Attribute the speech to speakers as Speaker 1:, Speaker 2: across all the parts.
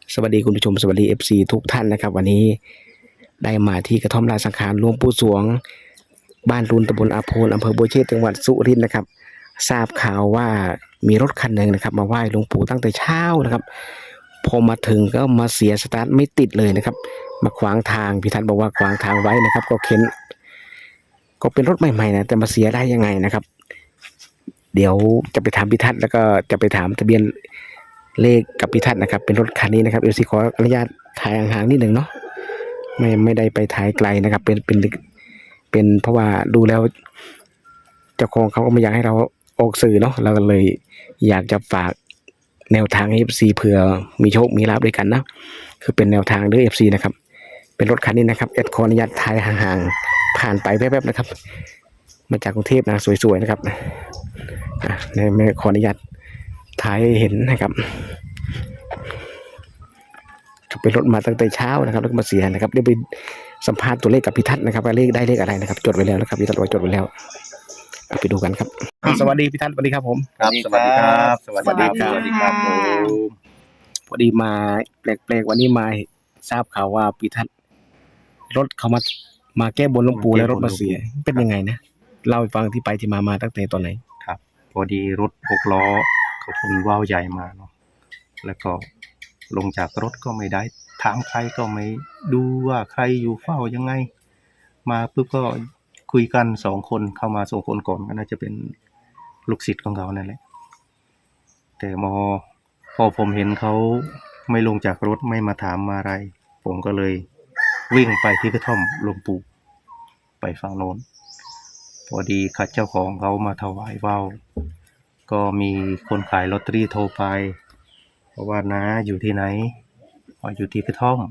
Speaker 1: สวัสดีคุณผู้ชมสวัสดีFCทุกท่านนะครับวันนี้ได้มาที่กระท่อมราชสังขารหลวงปู่สวงบ้านรุนตำบลอาโพนอำเภอบัวเชษจังหวัดสุรินทร์นะครับทราบข่าวว่ามีรถคันหนึ่งนะครับมาไหว้หลวงปู่ตั้งแต่เช้านะครับพอมาถึงก็มาเสียสตาร์ทไม่ติดเลยนะครับมาขวางทางพี่ทัศน์บอกว่าขวางทางไว้นะครับก็เข็นก็เป็นรถใหม่ๆนะแต่มาเสียได้ยังไงนะครับเดี๋ยวจะไปถามพี่ทัศน์แล้วก็จะไปถามทะเบียนเลขกับพี่ทัศน์นะครับเป็นรถคันนี้นะครับขออนุญาตถ่ายห่างๆนิดหนึ่งเนาะไม่ได้ไปถ่ายไกลนะครับเป็นเพราะว่าดูแล้วเจ้าของเขาก็ไม่อยากให้เราออกสื่อเนาะเราก็เลยอยากจะฝากแนวทางให้ FC เผื่อมีโชคมีลาภด้วยกันนะคือเป็นแนวทางเด้อ FC นะครับเป็นรถคันนี้นะครับขออนุญาตถ่ายห่างๆผ่านไปแป๊บๆนะครับมาจากกรุงเทพนะสวยๆนะครับไม่ขออนุญาตถ่ายให้เห็นนะครับเป็นรถมาตั้งแต่เช้านะครับแล้วก็มาเสียนะครับเดี๋ยวไปสัมภาษณ์ตัวเลขกับพี่ทัศน์นะครับว่าเลขได้เลขอะไรนะครับจดไว้แล้วนะครับพี่ทัศน์ไว้จดไว้แล้วไปดูกันครับสวัสดีพี่ทัศน์สวัสดีครับผม
Speaker 2: ครับสวัสดีครับสวัสดีครับ
Speaker 3: สวัสดีครับ
Speaker 1: พอดีมาแปลกๆวันนี้มาทราบข่าวว่าพี่ทัศน์รถเขามาแก้บนหลวงปู่แล้วรถมาเสียเป็นยังไงนะเล่าให้ฟังที่ไปที่มาตั้งแต่ตอนไหน
Speaker 2: ครับพอดีรถ6 ล้อเขาขนว่าวใหญ่มาเนาะแล้วก็ลงจากรถก็ไม่ได้ถามใครก็ไม่ดูว่าใครอยู่เฝ้ายังไงมาปุ๊บก็คุยกัน2 คนเข้ามา2 คนก่อนก็น่าจะเป็นลูกศิษย์ของเขานั่นแหละแต่พอผมเห็นเขาไม่ลงจากรถไม่มาถามมาอะไรผมก็เลยวิ่งไปที่กระท่อมหลวงปู่ไปฝั่งโน้นพอดีขัดเจ้าของเขามาถวายว่าวก็มีคนขายลอตเตอรี่โทรไปเพราะว่าน้าอยู่ที่ไหนอยู่ที่กระท่อม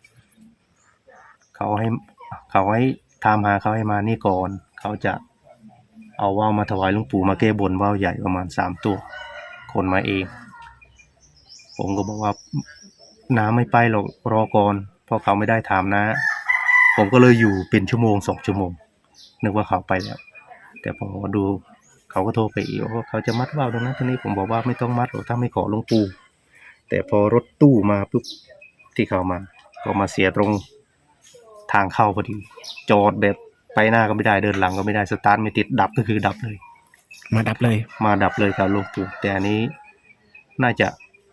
Speaker 2: เขาให้ตามหาเขาให้มานี่ก่อนเขาจะเอาว่าวมาถวายหลวงปู่มาแก้บนว่าวใหญ่ประมาณ3 ตัวคนมาเองผมก็บอกว่าน้าไม่ไปหรอกรอก่อนเพราะเขาไม่ได้ถามนะผมก็เลยอยู่เป็นชั่วโมง2 ชั่วโมงนึกว่าเขาไปแล้วแต่พอดูเขาก็โทรไปอีกว่าเขาจะมัดว่าวตรงนั้นตรงนี้ผมบอกว่าไม่ต้องมัดหรอกถ้าไม่ขอหลวงปู่แต่พอรถตู้มาปุ๊บที่เขามาก็มาเสียตรงทางเข้าพอดีจอดแบบไปหน้าก็ไม่ได้เดินหลังก็ไม่ได้สตาร์ทไม่ติดดับก็คือดับเลย
Speaker 1: มาดับเลย
Speaker 2: ครับหลวงปู่แต่อันนี้น่าจะ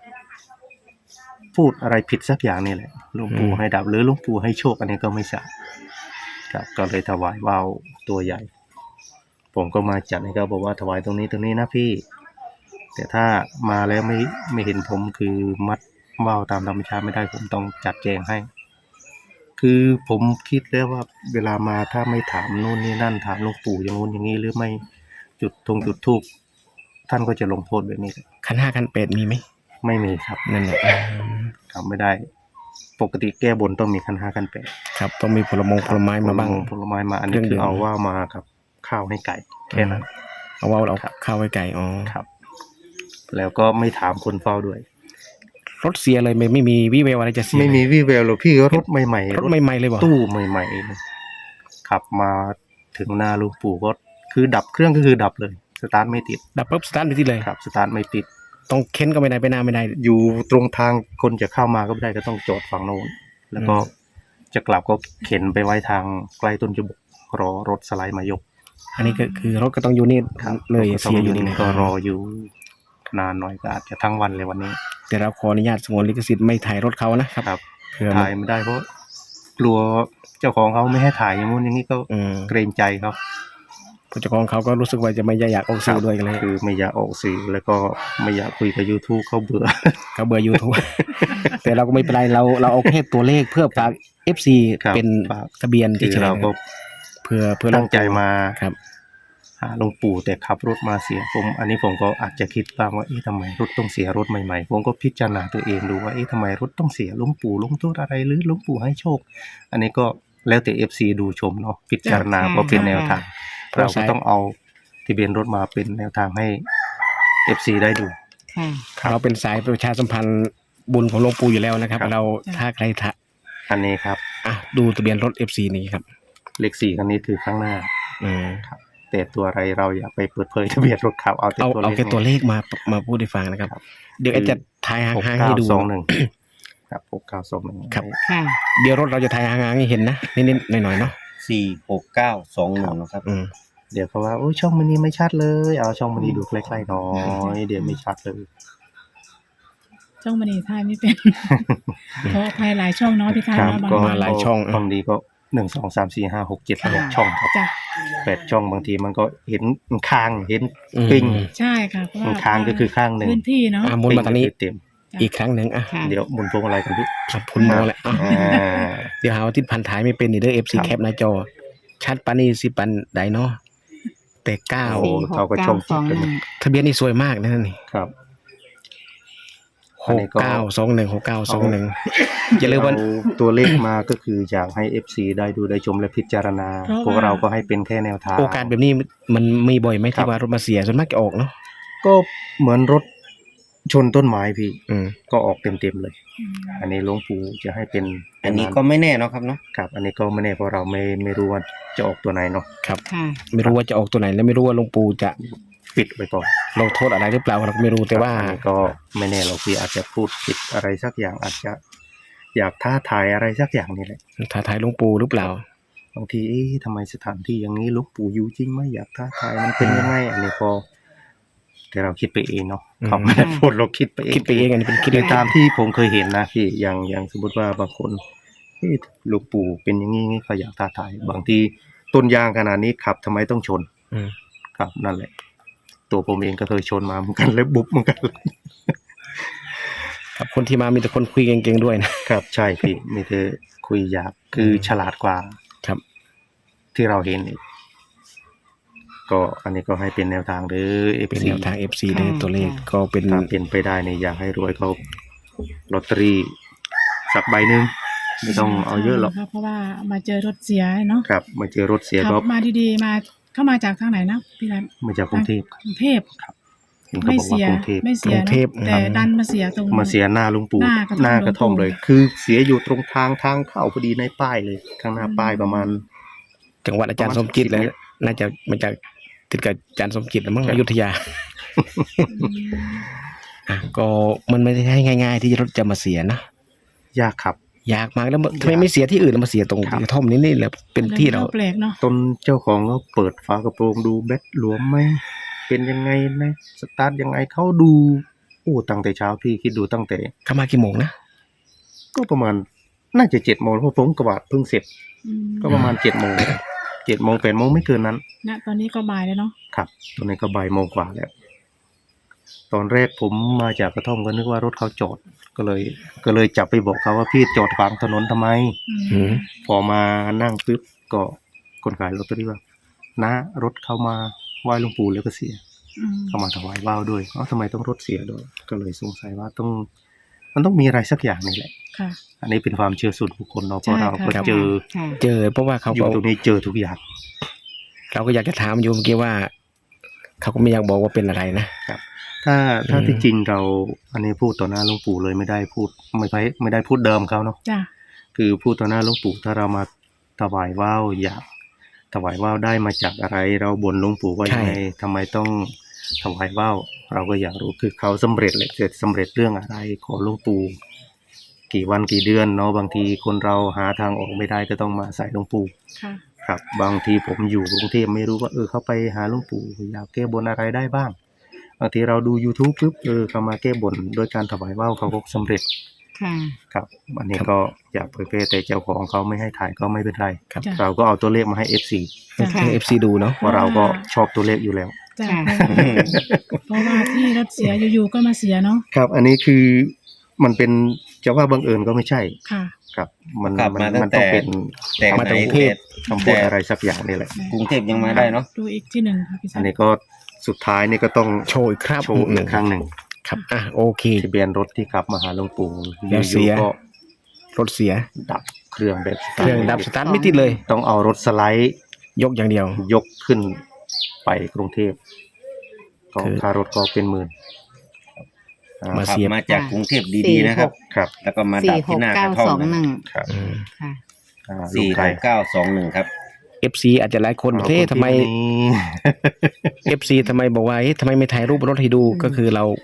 Speaker 2: พูดอะไรผิดสักอย่างนี่แหละหลวงปู่ให้ดับหรือหลวงปู่ให้โชคอันนี้ก็ไม่ทราบครับก็เลยถวายว่าวตัวใหญ่ผมก็มาจัดให้เขาบอกว่าถวายตรงนี้นะพี่แต่ถ้ามาแล้วไม่เห็นผมคือมัดว่าวตามธรรมชาติไม่ได้ผมต้องจัดแจงให้คือผมคิดแล้วว่าเวลามาถ้าไม่ถามนู่นนี่นั่นถามหลวงปู่อย่างงู้นอย่างนี้หรือไม่จุดธูปท่านก็จะลงโทษแบบนี้
Speaker 1: ขัน5ขัน8มีไหม
Speaker 2: ไม่มีครับ
Speaker 1: นั่นแหละ
Speaker 2: ทำไม่ได้ปกติแก้บนต้องมีขัน5ขัน8
Speaker 1: ครับต้องมีผลไม้มาบ้าง
Speaker 2: ผลไม้มาอันนี้คือเอาว่าวมากับข้าวให้ไก่แค่นั้น
Speaker 1: เอาว่าวเอาข้าวให้ไก่อ๋อ
Speaker 2: ครับแล้วก็ไม่ถามคนเฝ้าด้วย
Speaker 1: รถเสียเลยไม่มีวี่แววอะไรจะเสีย
Speaker 2: ไม่มีวี่แววหรอกพี่รถใหม่ๆ
Speaker 1: รถใหม่ๆเลยบ่
Speaker 2: ตู้ใหม่ๆขับมาถึงหน้าหลวงปู่ก็คือดับเครื่องก็คือดับเลยสตาร์ทไม่ติด
Speaker 1: ดับปุ๊บสตาร์ทไม่ติดเลย
Speaker 2: ครับสตาร์ทไม่ติด
Speaker 1: ต้องเค้นก็ไม่ได้ไปหน้าไม่ได้
Speaker 2: อยู่ตรงทางคนจะเข้ามาก็ไม่ได้ก็ต้องจอดฝั่งโน้นแล้วก็จะกลับก็เข็นไปไว้ทางใกล้ต้นจบกรอรถสไลด์มายก
Speaker 1: อันนี้ก็คือรถก็ต้องอยู่นี่เลยเสียอยู่นี่
Speaker 2: ก็รออยู่นานหน่อยก็อาจจะทั้งวันเลยวันนี้
Speaker 1: แต่เราขออนุญาตสงวนลิขสิทธิ์ไม่ถ่ายรถเขานะครับ
Speaker 2: ถ่ายไม่ได้เพราะกลัวเจ้าของเขาไม่ให้ถ่ายอย่างงู้นอย่างนี้ก็เกรงใจเขา
Speaker 1: เจ้าของเขาก็รู้สึกว่าจะไม่อยากออกสื่อด้วยกันเลย
Speaker 2: คือไม่อยากออกสื่อแล้วก็ไม่อยากคุยกับ YouTube เขาเบื่อ
Speaker 1: YouTube แต่เราก็ไม่เป็นไรเราเอาแค่ตัวเลขเพื่อฝาก FC เป็นทะเบียน
Speaker 2: ที่เราก็
Speaker 1: เพื่อ
Speaker 2: ตั้งใจมา
Speaker 1: ครับ
Speaker 2: หาหลวงปู่แต่ขับรถมาเสียอันนี้ผมก็อาจจะคิดบ้างว่าทำไมรถต้องเสียรถใหม่ๆผมก็พิจารณาตัวเองดูว่าทำไมรถต้องเสียหลวงปู่ลงโทษอะไรหรือหลวงปู่ให้โชคอันนี้ก็แล้วแต่ FC ดูชมเนาะพิจารณาก็เป็นแนวทางเราก็ต้องเอาทะเบียนรถมาเป็นแนวทางให้ FC ได้ดู
Speaker 1: เราเป็นสายประชาสัมพันธ์บุญของหลวงปู่อยู่แล้วนะครับเราถ้าใคร
Speaker 2: อันนี้ครับ
Speaker 1: ดูทะเบียนรถ FC นี้ครับ
Speaker 2: เลข4คันนี้คือข้างหน้าครับแต่ตัวอะไรเราอย่าไปเปิดเผยทะเบียนรถเขาเอาแค่
Speaker 1: ตัวเลขมาพูดให้ฟังนะครับเดี๋ยวจะถ่ายห่างๆให้ดู
Speaker 2: ครับ6921
Speaker 1: ครับ
Speaker 3: ค่ะ
Speaker 1: เดี๋ยวรถเราจะถ่ายห่างๆให้เห็นนะนิดๆหน่อยๆเนาะ
Speaker 4: 46921นะครับ
Speaker 1: อืม
Speaker 2: เดี๋ยวเขาว่าโอ้ยช่องมันนี้ไม่ชัดเลยเอาช่องมันนี้ดูใกล้ๆหน่อยเดี๋ยวไม่ชัดเลย
Speaker 3: ช่องมันนี่ทายไม่เป็นเพราะภายหลายช่องเนาะพี่คะ
Speaker 2: ครับ
Speaker 3: เนาะบาง
Speaker 2: ก็
Speaker 3: วัน
Speaker 1: หลายช่อง
Speaker 2: บางทีก็1 2 3 4 5 6 7 8ช่องครับ
Speaker 3: จ้ะ
Speaker 2: 8ช่องบางทีมันก็เห็นคางเห็น
Speaker 1: อืม
Speaker 2: ปิ้ง
Speaker 3: ใช่ค่ะเพราะว่า
Speaker 2: คางก็คือข้างหนึ่ง
Speaker 3: พื้นที่เนาะ
Speaker 1: หมุนมาทางนี้
Speaker 2: เต็ม
Speaker 1: อีกครั้งหนึ่งอ่ะ
Speaker 3: ค่ะ
Speaker 2: เดี๋ยวหมุนพวงอะไรกันพี่
Speaker 1: ครับคุณหมอแหละอ่ะ
Speaker 2: อ่า
Speaker 1: เดี๋ยวหาว่าที่พันถ่ายไม่เป็นนี่เด้อ FC
Speaker 2: ครับ
Speaker 1: แคปหน้าจอ ชัดปานนี่สิปันใดเนาะแต่เก้า
Speaker 2: โอ้เขาก็ช่องจิตกันนะ
Speaker 1: ทะเบียนนี่สวยมากนะนี่
Speaker 2: ครับ
Speaker 1: 69216921อย่าลืมว่า
Speaker 2: เอาตัวเลขมาก็คืออยากให้ FC ได้ดูได้ชมและพิจารณา
Speaker 3: เพราะว่า
Speaker 2: พวกเราก็ให้เป็นแค่แนวทาง
Speaker 1: โอกาสแบบนี้มันมีบ่อยไหม
Speaker 2: ครั
Speaker 1: ที่
Speaker 2: บ
Speaker 1: ว่ารถมาเสียส่วนมากจะออกเนาะ
Speaker 2: ก็เหมือนรถชนต้นไม้พี่
Speaker 1: อืม
Speaker 2: ก็ออกเต็มๆเลย อันนี้หลวงปู่จะให้เป็น
Speaker 4: อันนี้ก็ไม่แน่เนาะครับเนาะ
Speaker 2: ครับ อันนี้ก็ไม่แน่เพราะเราไม่รู้ว่าจะออกตัวไหนเนาะ
Speaker 1: ครับ
Speaker 3: ค่ะ
Speaker 1: ไม่รู้ว่าจะออกตัวไหนและไม่รู้ว่าหลวงปู่จะ
Speaker 2: ปิดไว้ก่อน
Speaker 1: ลงโทษอะไรหรือเปล่าเราก็ไม่รู้แต่ว่า
Speaker 2: อันนี้ก็ไม่แน่เราพี่อาจจะพูดผิดอะไรสักอย่างอาจจะอยากท้าทายอะไรสักอย่างนี่แหละ
Speaker 1: ท้าทายหลวงปู่หรือเปล่า
Speaker 2: บางทีเอ๊ะทำไมสถานที่อย่างนี้หลวงปู่อยู่จริงไหมอยากท้าทายมันเป็นยังไงอันนี้ก็แต่เราคิดไปเองเนาะ
Speaker 1: อืม
Speaker 2: เขาไม่ได้พูดเราคิดไปเอง
Speaker 1: คิดไปเองอันนี้เป็นคิด
Speaker 2: ใน
Speaker 1: เอง
Speaker 2: ตามที่ผมเคยเห็นนะพี่อย่างสมมติว่าบางคนเอ๊ะหลวงปู่เป็นอย่างนี้เขาอยากท้าทายบางทีต้นยางขนาดนี้ขับทำไมต้องชน
Speaker 1: อืม
Speaker 2: ครับนั่นแหละ ตัวผมเองก็เคยชนมาเหมือนกันแล้วบุบเหมือนกัน
Speaker 1: ครับคนที่มามีแต่คนคุยเก่งๆด้วยนะครับ
Speaker 2: ใช่พี่มีแต่คุยอยากคือฉลาดกว่า
Speaker 1: ครับ
Speaker 2: ที่เราเห็นอีกก็อันนี้ก็ให้เป็นแนวทางหรือเอฟ
Speaker 1: เป็น
Speaker 2: ซี
Speaker 1: แนวทาง FC ได้ตัวเลขก็เป็น
Speaker 2: ถ้าเป็นไปได้เนี่ยอยากให้รวยเขาลอตเตอรี่สักใบหนึ่งไม่ต้องเอาเยอะหรอก
Speaker 3: เพราะว่ามาเจอรถเสียเนาะ
Speaker 2: ครับมาเจอรถเสีย
Speaker 3: ขั
Speaker 2: ก็
Speaker 3: บมาดีๆมาเข้ามาจากทางไหนนะพี่รัต
Speaker 2: มาจากกรุงเทพ
Speaker 3: กรุงเทพ
Speaker 2: เห็นเขา
Speaker 3: ไม่
Speaker 2: บอกว่า
Speaker 3: เสีย
Speaker 2: กรุงเทพ
Speaker 3: ไม่เสีย
Speaker 1: กรุงเทพ
Speaker 3: เนอะแต่ดันมาเสียตรง
Speaker 2: มาเสียหน้าลุงปู่
Speaker 3: หน้ากระท่อม
Speaker 2: เลย
Speaker 3: หลวงปู่
Speaker 2: คือเสียอยู่ตรงทางเข้าพอดีในป้ายเลย ข้างหน้าป้ายประมาณ
Speaker 1: จังหวัดอาจารย์สมจิตแล้วน่าจะมาจากติดกับอาจารย์สมจิตแล้วมั้ง
Speaker 2: ครับ
Speaker 1: อยุธยาอ่ะก็มันไม่ได้ให้ง่าย ๆ ที่รถจะมาเสียนะ
Speaker 2: ยากครับ
Speaker 1: ยากมากแล้วทำไมไม่เสียที่อื่นแล้วมาเสียตรง
Speaker 2: ครับ
Speaker 1: กระท่อมนี่แหละเป็นที่เรา
Speaker 3: แปลกเนาะ
Speaker 2: ตนเจ้าของก็เปิดฝากระโปรงดูแบตหลวมไหมเป็นยังไงนะสตาร์ทยังไงเขาดูโอ้ตั้งแต่เช้าพี่คิดดูตั้งแต่
Speaker 1: เข้ามากี่โมงนะ
Speaker 2: ก็ประมาณน่าจะ7 โมงเพราะผมกวาดเพิ่งเสร็จ ก็ประมาณ7 โมง8 โมงไม่เกินนั้น
Speaker 3: ณตอนนี้ก็บ่ายแล้วเนาะ
Speaker 2: ครับตอนนี้ก็บ่ายโมงกว่าแล้ว ตอนแรกผมมาจากกระท่อมก็นึกว่ารถเขาจอดก็เลยจับไปบอกเขาว่าพี่จอดขวางถนนทำไม
Speaker 1: อืม
Speaker 2: พอมานั่งปุ๊บก็คนขายลอตเตอรี่ว่านะรถเข้ามาไหว้หลวงปู่แล้วก็เสีย เข้ามาถวายว่าวด้วยทำไมต้องรถเสียด้วยก็เลยสงสัยว่ามันต้องมีอะไรสักอย่างนี่แหละ
Speaker 3: ค่ะ
Speaker 2: อันนี้เป็นความเชื่อส่วนบุคคลเนาะเพราะเราก็
Speaker 3: ใช่ค่ะ
Speaker 2: เจอ
Speaker 3: ค่ะ
Speaker 1: เจอเพราะว่าเขา
Speaker 2: อยู่
Speaker 1: บอก
Speaker 2: ตรงนี้เจอทุกอย่าง
Speaker 1: เราก็อยากจะถามอยู่เมื่อกี้ว่า เขาก็ไม่อยากบอกว่าเป็นอะไรนะ
Speaker 2: ถ้า
Speaker 1: อืม
Speaker 2: ที่จริงเราอันนี้พูดต่อหน้าหลวงปู่เลยไม่ได้พูดไม่ได้พูดเดิมเขาเนาะ
Speaker 3: จ้ะ
Speaker 2: คือพูดต่อหน้าหลวงปู่ถ้าเรามาถวายว่าวอยากถวายว่าวได้มาจากอะไร เราบ่นหลวงปู่ว่ายังไงทำไมต้องถวายว่าวเราก็อยากรู้คือเขาสำเร็จเลยเสร็จสำเร็จเรื่องอะไรขอหลวงปู่กี่วันกี่เดือนเนาะบางทีคนเราหาทางออกไม่ได้ก็ต้องมาใส่หลวงปู่
Speaker 3: ค่ะ
Speaker 2: ครับ บางทีผมอยู่กรุงเทพไม่รู้ว่าเขาไปหาหลวงปู่อยากแก้บนอะไรได้บ้างบางทีเราดู YouTube ปุ๊บเขามาแก้บนโดยการถวายว่าวเขาก็สำเร็จ
Speaker 3: ค่ะ
Speaker 2: ครับอันนี้ก็อยากเผยแพร่แต่เจ้าของเขาไม่ให้ถ่ายก็ไม่เป็นไร
Speaker 1: ครับ
Speaker 3: จ้ะ
Speaker 2: เราก็เอาตัวเลขมาให้ FC
Speaker 3: จ้ะ
Speaker 1: ให้ FC ดูเนาะ
Speaker 2: เพราะเราก็ชอบตัวเลขอยู่แล้ว
Speaker 3: จ้ะเพราะว่าที่รถเสียอยู่ๆก็มาเสียเนาะ
Speaker 2: ครับ อันนี้คือมันเป็นจะว่าบังเอิญก็ไม่ใช่
Speaker 3: ค่ะ
Speaker 2: ครับ มัน
Speaker 4: ขับมาตั้ง
Speaker 2: ต้อง
Speaker 4: แต่
Speaker 2: เป็น
Speaker 4: แต่
Speaker 1: มา
Speaker 4: ไหน
Speaker 1: จากกรุงเทพ
Speaker 2: คำพูดอะไรสักอย่างนี่แหละ
Speaker 4: กรุงเทพยังมาได้เนาะ
Speaker 3: ดูอีกที่หนึ่งค่ะพี่
Speaker 2: อั
Speaker 3: สั
Speaker 2: น
Speaker 3: น
Speaker 2: นี้ก็สุดท้ายนี่ก็ต้อง
Speaker 1: โชว์อีกครับ
Speaker 2: โชว์อีกครั้งหนึ่ง
Speaker 1: ครับอ่ะโอเค
Speaker 2: ทะเบียนรถที่ขับมาหาหลวงปู่
Speaker 1: แล้วเสีย
Speaker 2: อยู่ๆก็
Speaker 1: รถเสีย
Speaker 2: ดับเครื่องแบบ
Speaker 1: เครื่องดับสตาร์ทไม่ติดเลย
Speaker 2: ต้องเอารถสไลด์
Speaker 1: ยกอย่างเดียว
Speaker 2: ยกขึ้นไปกรุงเทพก็
Speaker 1: คือ
Speaker 2: ค่ารถก็เป็นหมื่น
Speaker 1: มา
Speaker 4: ขับ
Speaker 1: เสียบ
Speaker 4: มาจากกรุงเทพดีๆนะครับ
Speaker 2: ครับ
Speaker 4: แล้วก็มาดับที่หน้ากระท่อมนะ
Speaker 2: ครับ
Speaker 1: อืม
Speaker 3: ค่ะ
Speaker 4: สี่
Speaker 2: ลูกไก่
Speaker 4: 6921ครับ
Speaker 1: FC อาจจะหลายคนเฮ้ทำไม FC ทำไมบอกว่าเฮ้ทำไมไม่ถ่ายรูปรถให้ดูก็คือเรา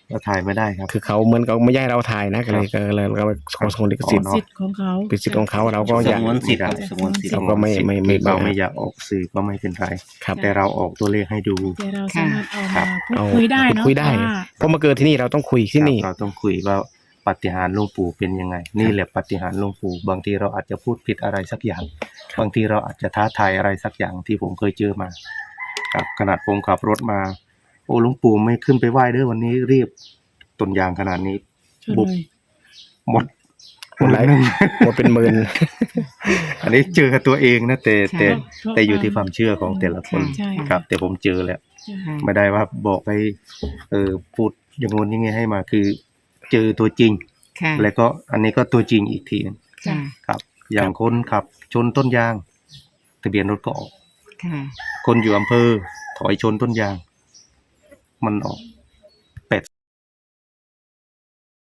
Speaker 2: เราถ่ายไม่ได้ครับ
Speaker 1: คือเขาเหมือนกับไม่ย้ายเราถ่ายนะก็เลยเราขอสงวนลิขสิทธิ์
Speaker 3: สิทธิ์ของเขา
Speaker 1: เป็นสิทธิ์ของเขาเราก็
Speaker 4: ส
Speaker 1: อยาก
Speaker 4: งวนสิทธิ์ครับสงวนสิทธิ์
Speaker 1: เราก็ไม่
Speaker 2: เราไม่อยากออกสื่อก็ไม่เป็นไร
Speaker 1: ครับ
Speaker 2: แต่เราออกตัวเลขให้ดู
Speaker 3: แต่เราสามารถเอา
Speaker 2: ครั
Speaker 3: มา
Speaker 2: บ
Speaker 3: พูดคุยได้เนาะ
Speaker 1: คุยได้
Speaker 3: ว่า
Speaker 1: เพราะมาเกิดที่นี่เราต้องคุยที่นี่
Speaker 2: เราต้องคุยว่าปาฏิหาริย์หลวงปู่เป็นยังไง นี่แหละปาฏิหาริย์หลวงปู่บางทีเราอาจจะพูดผิดอะไรสักอย่าง บางทีเราอาจจะท้าทายอะไรสักอย่างที่ผมเคยเจอมาครับขนาดผมขับรถมา โอ้หลวงปู่ไม่ขึ้นไปไหว้เด้อวันนี้รีบต้นยางขนาดนี้
Speaker 3: ชน
Speaker 2: บุบ
Speaker 3: เลย
Speaker 2: หมด
Speaker 1: หมดหลายหมดเป็นหมื่น
Speaker 2: อันนี้เจอกับตัวเองนะแต่
Speaker 3: ใช่
Speaker 2: แต่อยู่ที่ความเชื่อของแต่ละคน
Speaker 3: ใช่
Speaker 2: ครับ แต่ผมเจอแล้ว
Speaker 3: ค่ะ
Speaker 2: ไม่ได้ว่าบอกให้พูดอย่างงู้นอย่างงี้ให้มาคือ เจอตัวจริง
Speaker 5: ค่ะ
Speaker 2: แล้วก็อันนี้ก็ตัวจริงอีกทีนึง
Speaker 5: ค่ะ
Speaker 2: ครับ อย่างคนขับชนต้นยาง ทะเบียนรถก็ออก
Speaker 5: ค่ะ
Speaker 2: คนอยู่อำเภอถอยชนต้นยาง มันออก